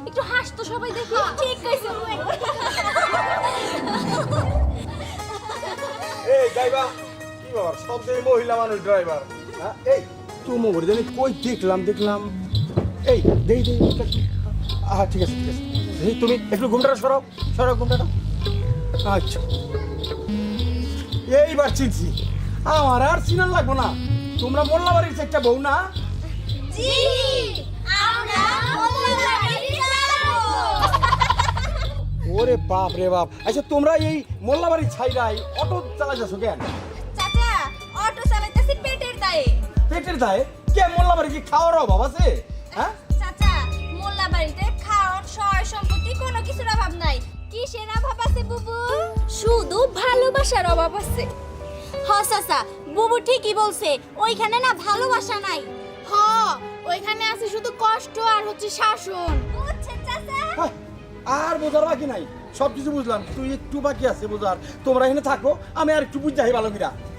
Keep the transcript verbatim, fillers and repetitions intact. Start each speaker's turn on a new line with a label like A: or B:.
A: একটু হাস তো সবাই দেখি। ঠিক কইছো।
B: এই ড্রাইভার কি ব্যাপার সব দিন মহিলা মানুষ ড্রাইভার হ্যাঁ এই তুই মোবাইল জানি কই দেখলাম দেখলাম এই দেই দেই হ্যাঁ ঠিক আছে ঠিক আছে এই তুমি একটু ঘুমটাটা সরাও সরাও ঘুমটাটা আচ্ছা এইবার চিনছি আমার আর চিনার লাগবো না তোমরা মোল্লা বাড়ির একটা বউ না
A: জি আমরা মোল্লাবাড়ি যাব।
B: ওরে বাপ রে বাপ আচ্ছা তোমরা এই মোল্লা বাড়ির ছাইরাই অটো চালা যাচ্ছ কেন
A: চাচা অটো চালাইতেছি পেটের দায়ে।
B: পেটের দায়ে কে মোল্লা বাড়ি কি খাওয়ার অভাব আছে হ্যাঁ
A: চাচা মোল্লাবাড়িতে খাওয়ার সয় সম্পত্তি কোনো কিছুর অভাব নাই। কিসের অভাব আছে বুবু? শুধু ভালোবাসার অভাব আছে। হ চাচা বুবু ঠিকই বলছে, ওইখানে না ভালোবাসা নাই। হ ওইখানে আছে শুধু কষ্ট আর হচ্ছে শাসন। বুঝছেন চাচা?
B: হায়, আর বোঝার বাকি নাই সব কিছু বুঝলাম তুই একটু বাকি আছে বোঝার তোমরা এখানে থাকো আমি আর একটু বুঝতে ভালো কিরা